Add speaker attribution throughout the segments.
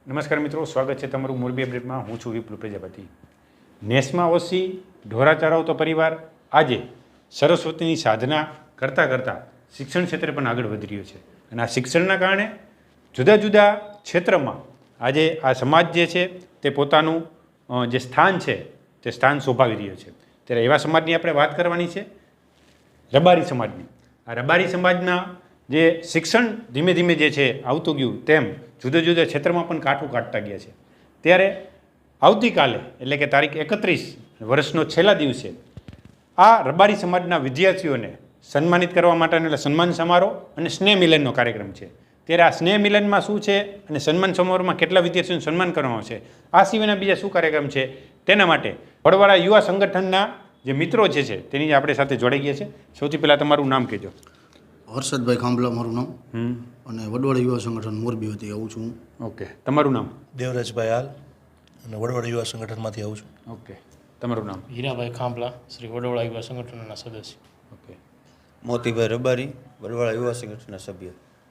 Speaker 1: નમસ્કાર મિત્રો, સ્વાગત છે તમારું મોરબી અપડેટમાં. હું છું વિપુલ પ્રજાપતિ. નેસમાં ઓછી ઢોરા ચરાવતો પરિવાર આજે સરસ્વતીની સાધના કરતાં કરતાં શિક્ષણ ક્ષેત્રે પણ આગળ વધી રહ્યો છે. અને આ શિક્ષણના કારણે જુદા જુદા ક્ષેત્રમાં આજે આ સમાજ જે છે તે પોતાનું જે સ્થાન છે તે સ્થાન શોભાવી રહ્યો છે. ત્યારે એવા સમાજની આપણે વાત કરવાની છે, રબારી સમાજની. આ રબારી સમાજના જે શિક્ષણ ધીમે ધીમે જે છે આવતું ગયું, તેમ જુદા જુદા ક્ષેત્રમાં પણ કાઠું કાઢતા ગયા છે. ત્યારે આવતીકાલે એટલે કે તારીખ 31 વર્ષનો છેલ્લા દિવસે આ રબારી સમાજના વિદ્યાર્થીઓને સન્માનિત કરવા માટેનો એટલે સન્માન સમારોહ અને સ્નેહ મિલનનો કાર્યક્રમ છે. ત્યારે આ સ્નેહ મિલનમાં શું છે અને સન્માન સમારોહમાં કેટલા વિદ્યાર્થીઓનું સન્માન કરવામાં આવશે, આ સિવાયના બીજા શું કાર્યક્રમ છે, તેના માટે વડવાળા યુવા સંગઠનના જે મિત્રો જે છે તેની આપણે સાથે જોડાઈ ગયા છે. સૌથી પહેલાં તમારું નામ કહેજો.
Speaker 2: હર્ષદભાઈ ખાંભલા મારું નામ, અને વડવાળા યુવા સંગઠન મોરબી વતી આવું છું.
Speaker 1: ઓકે, તમારું નામ?
Speaker 3: દેવરાજભાઈ હાલ, અને વડવાળા યુવા સંગઠનમાંથી આવું છું.
Speaker 1: ઓકે, તમારું નામ?
Speaker 4: હીરાભાઈ ખાંભલા, શ્રી વડવાળા યુવા સંગઠનના સદસ્ય.
Speaker 1: ઓકે,
Speaker 5: મોતીભાઈ રબારી, વડવાળા યુવા સંગઠનના સભ્ય.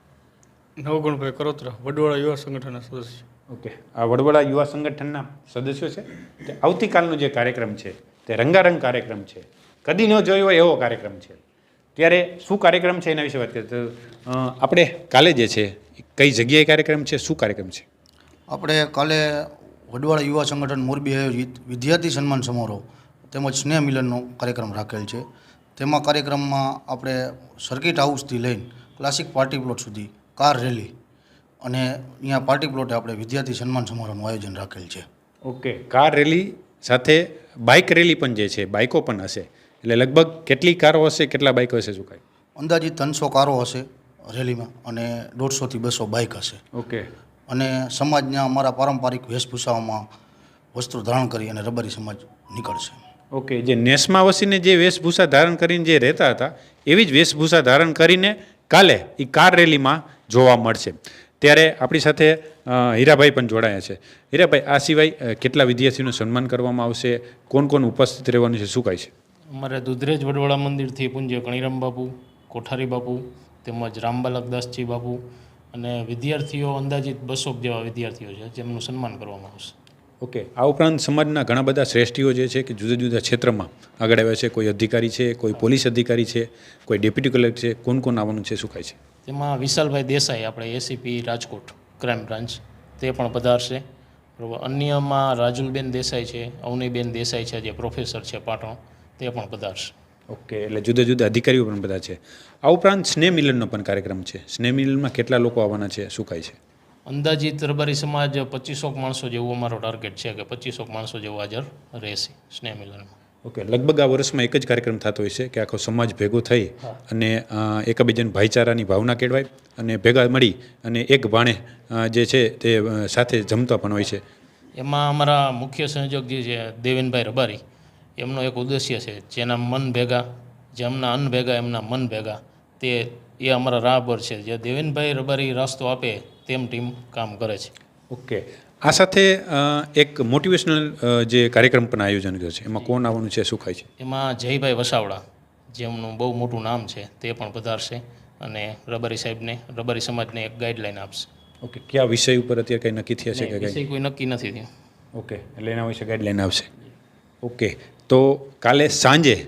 Speaker 6: નવગુણભાઈ કરોત્રા, વડવાળા યુવા સંગઠનના સદસ્ય.
Speaker 1: ઓકે, આ વડવાળા યુવા સંગઠનના સદસ્યો છે. તે આવતીકાલનો જે કાર્યક્રમ છે તે રંગારંગ કાર્યક્રમ છે, કદી ન જોયો હોય એવો કાર્યક્રમ છે. ત્યારે શું કાર્યક્રમ છે એના વિશે વાત કરીએ તો આપણે કાલે જે છે કઈ જગ્યાએ કાર્યક્રમ છે, શું કાર્યક્રમ છે?
Speaker 2: આપણે કાલે વડવાળા યુવા સંગઠન મોરબી આયોજિત વિદ્યાર્થી સન્માન સમારોહ તેમજ સ્નેહ મિલનનો કાર્યક્રમ રાખેલ છે. તેમાં કાર્યક્રમમાં આપણે સર્કિટ હાઉસથી લઈને ક્લાસિક પાર્ટી પ્લોટ સુધી કાર રેલી અને અહીંયા પાર્ટી પ્લોટે આપણે વિદ્યાર્થી સન્માન સમારોહનું આયોજન રાખેલ છે.
Speaker 1: ઓકે, કાર રેલી સાથે બાઇક રેલી પણ જે છે, બાઇકો પણ હશે. એટલે લગભગ કેટલી કારો હશે, કેટલા બાઇકો હશે, શું કાંઈ
Speaker 2: અંદાજિત 300 કારો હશે રેલીમાં અને 150 થી 200 બાઇક હશે.
Speaker 1: ઓકે,
Speaker 2: અને સમાજના અમારા પારંપરિક વેશભૂષાઓમાં વસ્ત્રો ધારણ કરી અને રબારી સમાજ નીકળશે.
Speaker 1: ઓકે, જે નેસમાં વસીને જે વેશભૂષા ધારણ કરીને જે રહેતા હતા એવી જ વેશભૂષા ધારણ કરીને કાલે એ કાર રેલીમાં જોવા મળશે. ત્યારે આપણી સાથે હીરાભાઈ પણ જોડાયા છે. હીરાભાઈ, આ સિવાય કેટલા વિદ્યાર્થીઓનું સન્માન કરવામાં આવશે, કોણ કોણ ઉપસ્થિત રહેવાનું છે, શું કાંઈ છે?
Speaker 4: અમારે દુધરેજ વડવાળા મંદિરથી પૂજ્ય કણીરામ બાપુ, કોઠારી બાપુ તેમજ રામબાલકદાસજી બાપુ અને વિદ્યાર્થીઓ અંદાજિત 200 જેવા વિદ્યાર્થીઓ છે જેમનું સન્માન કરવામાં આવશે.
Speaker 1: ઓકે, આ ઉપરાંત સમાજના ઘણા બધા શ્રેષ્ઠીઓ જે છે કે જુદા જુદા ક્ષેત્રમાં આગળ આવ્યા છે. કોઈ અધિકારી છે, કોઈ પોલીસ અધિકારી છે, કોઈ ડેપ્યુટી કલેક્ટર છે, કોણ કોણ આવવાનું છે, શું કાંઈ છે?
Speaker 4: તેમાં વિશાલભાઈ દેસાઈ, આપણે એસીપી રાજકોટ ક્રાઇમ બ્રાન્ચ, તે પણ પધારશે. બરાબર. અન્યમાં રાજુલબેન દેસાઈ છે, અવનીબેન દેસાઈ છે જે પ્રોફેસર છે પાટણ, તે પણ પધારશે.
Speaker 1: ઓકે, એટલે જુદા જુદા અધિકારીઓ પણ બધા છે. આ ઉપરાંત સ્નેહ મિલનનો પણ કાર્યક્રમ છે. સ્નેહ મિલનમાં કેટલા લોકો આવવાના છે, શું કાંઈ છે?
Speaker 4: અંદાજિત રબારી સમાજ 2500 માણસો જેવું અમારો ટાર્ગેટ છે કે 2500 માણસો જેવું હાજર રહેશે સ્નેહ મિલનમાં.
Speaker 1: ઓકે, લગભગ આ વર્ષમાં એક જ કાર્યક્રમ થતો હોય છે કે આખો સમાજ ભેગો થઈ અને એકબીજાને ભાઈચારાની ભાવના કેળવાય અને ભેગા મળી અને એક ભાણે જે છે તે સાથે જમતા પણ હોય છે.
Speaker 4: એમાં અમારા મુખ્ય સંયોજક જે છે દેવેનભાઈ રબારી, એમનો એક ઉદ્દેશ્ય છે, જેના મન ભેગા, જેમના અન્ન ભેગા એમના મન ભેગા, એ અમારા રાહબર છે. જે દેવેનભાઈ રબારી રાસ્તો આપે તેમ ટીમ કામ કરે છે.
Speaker 1: ઓકે, આ સાથે એક મોટિવેશનલ જે કાર્યક્રમ પણ આયોજન કર્યો છે, એમાં કોણ આવવાનું છે, શું ખાય છે?
Speaker 4: એમાં જયભાઈ વસાવડા, જેમનું બહુ મોટું નામ છે, તે પણ પધારશે અને રબારી સાહેબને, રબારી સમાજને એક ગાઈડલાઈન આપશે.
Speaker 1: ઓકે, કયા વિષય ઉપર અત્યારે કંઈ નક્કી થયા છે કે
Speaker 4: વિષય કોઈ નક્કી નથી થયું?
Speaker 1: ઓકે, એટલે એના વિશે ગાઈડલાઈન આવશે. ઓકે, તો કાલે સાંજે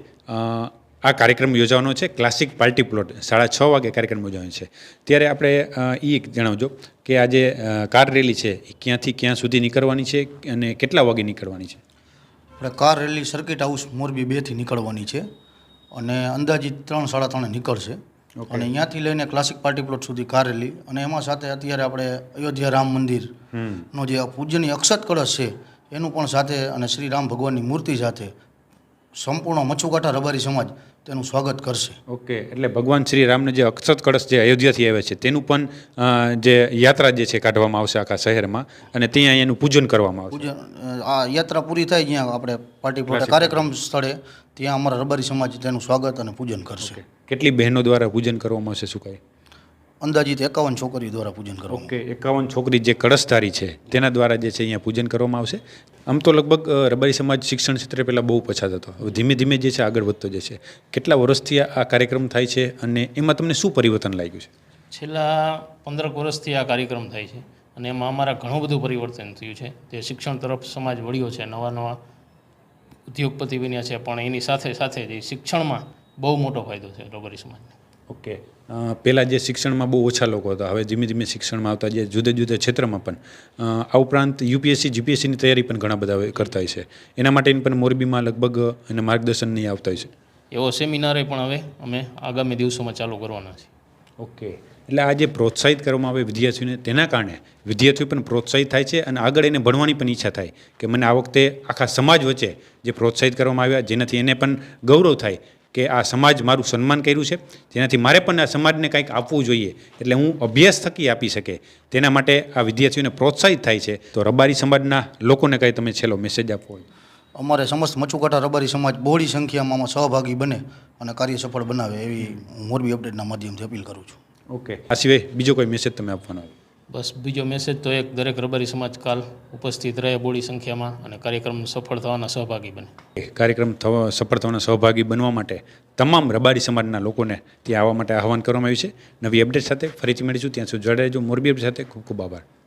Speaker 1: આ કાર્યક્રમ યોજવાનો છે ક્લાસિક પાર્ટી પ્લોટ, 6:30 વાગે કાર્યક્રમ યોજવાનો છે. ત્યારે આપણે એ જણાવજો કે આ જે કાર રેલી છે એ ક્યાંથી ક્યાં સુધી નીકળવાની છે અને કેટલા વાગે નીકળવાની છે?
Speaker 2: આપણે car rally circuit house Morbi 2 થી નીકળવાની છે અને અંદાજિત 3-3:30 નીકળશે. અને અહીંયાથી લઈને ક્લાસિક પાર્ટી પ્લોટ સુધી કાર રેલી, અને એમાં સાથે અત્યારે આપણે અયોધ્યા રામ મંદિરનો જે પૂજ્યની અક્ષત કળશ છે એનું પણ સાથે, અને શ્રી રામ ભગવાનની મૂર્તિ સાથે સંપૂર્ણ મચ્છુકાંઠા રબારી સમાજ તેનું સ્વાગત કરશે.
Speaker 1: ઓકે, એટલે ભગવાન શ્રી રામને જે અક્ષત કળશ જે અયોધ્યાથી આવે છે તેનું પણ જે યાત્રા જે છે કાઢવામાં આવશે આખા શહેરમાં, અને ત્યાં એનું પૂજન કરવામાં આવશે.
Speaker 2: પૂજન, આ યાત્રા પૂરી થાય જ્યાં આપણે પાર્ટી પ્લોટ કાર્યક્રમ સ્થળે, ત્યાં અમારા રબારી સમાજ તેનું સ્વાગત અને પૂજન કરશે.
Speaker 1: કેટલી બહેનો દ્વારા પૂજન કરવામાં આવશે, શું કાંઈ?
Speaker 2: અંદાજિત 51 છોકરીઓ દ્વારા પૂજન કરવામાં.
Speaker 1: ઓકે, 51 છોકરી જે કળશધારી છે તેના દ્વારા જે છે અહીંયા પૂજન કરવામાં આવશે. આમ તો લગભગ રબારી સમાજ શિક્ષણ ક્ષેત્રે પહેલાં બહુ પછાત હતો, હવે ધીમે ધીમે જે છે આગળ વધતો જે છે. કેટલા વર્ષથી આ કાર્યક્રમ થાય છે અને એમાં તમને શું પરિવર્તન લાગ્યું છે?
Speaker 4: છેલ્લા 15 વર્ષથી આ કાર્યક્રમ થાય છે અને એમાં અમારા ઘણું બધું પરિવર્તન થયું છે. તે શિક્ષણ તરફ સમાજ વળ્યો છે, નવા નવા ઉદ્યોગપતિ બન્યા છે, પણ એની સાથે સાથે જે શિક્ષણમાં બહુ મોટો ફાયદો છે રબારી સમાજને.
Speaker 1: ઓકે, પહેલાં જે શિક્ષણમાં બહુ ઓછા લોકો હતા, હવે ધીમે ધીમે શિક્ષણમાં આવતા જે જુદા જુદા ક્ષેત્રમાં પણ આ ઉપરાંત યુપીએસસી જીપીએસસીની તૈયારી પણ ઘણા બધા હવે કરતા હોય છે. એના માટેની પણ મોરબીમાં લગભગ એને માર્ગદર્શન નહીં આવતા હોય છે.
Speaker 4: એવો સેમિનારે પણ હવે અમે આગામી દિવસોમાં ચાલુ કરવાના છીએ.
Speaker 1: ઓકે, એટલે આ જે પ્રોત્સાહિત કરવામાં આવે વિદ્યાર્થીઓને, તેના કારણે વિદ્યાર્થીઓ પણ પ્રોત્સાહિત થાય છે અને આગળ એને ભણવાની પણ ઈચ્છા થાય કે મને આ વખતે આખા સમાજ વચ્ચે જે પ્રોત્સાહિત કરવામાં આવ્યા, જેનાથી એને પણ ગૌરવ થાય કે આ સમાજ મારું સન્માન કર્યું છે, જેનાથી મારે પણ આ સમાજને કંઈક આપવું જોઈએ, એટલે હું અભ્યાસ થકી આપી શકે, તેના માટે આ વિદ્યાર્થીઓને પ્રોત્સાહિત થાય છે. તો રબારી સમાજના લોકોને કંઈ તમે છેલ્લો મેસેજ આપવો હોય?
Speaker 2: અમારે સમસ્ત મચુકાટા રબારી સમાજ બહોળી સંખ્યામાં આમાં સહભાગી બને અને કાર્ય સફળ બનાવે એવી હું મોરબી અપડેટના માધ્યમથી અપીલ કરું છું.
Speaker 1: ઓકે, આ સિવાય બીજો કોઈ મેસેજ તમે આપવાનો હોય?
Speaker 4: બસ બીજો મેસેજ તો એક, દરેક રબારી સમાજ કાલ ઉપસ્થિત રહે બોડી સંખ્યામાં અને કાર્યક્રમ સફળ થવાના સહભાગી બને.
Speaker 1: કાર્યક્રમ સફળ થવાના સહભાગી બનવા માટે તમામ રબારી સમાજના લોકોને ત્યાં આવવા માટે આહવાન કરવામાં આવ્યું છે. નવી અપડેટ સાથે ફરીથી મળીશું, ત્યાં સુધી જોડાઈ રહેજો. મોરબી અપડેટ સાથે ખૂબ ખૂબ આભાર.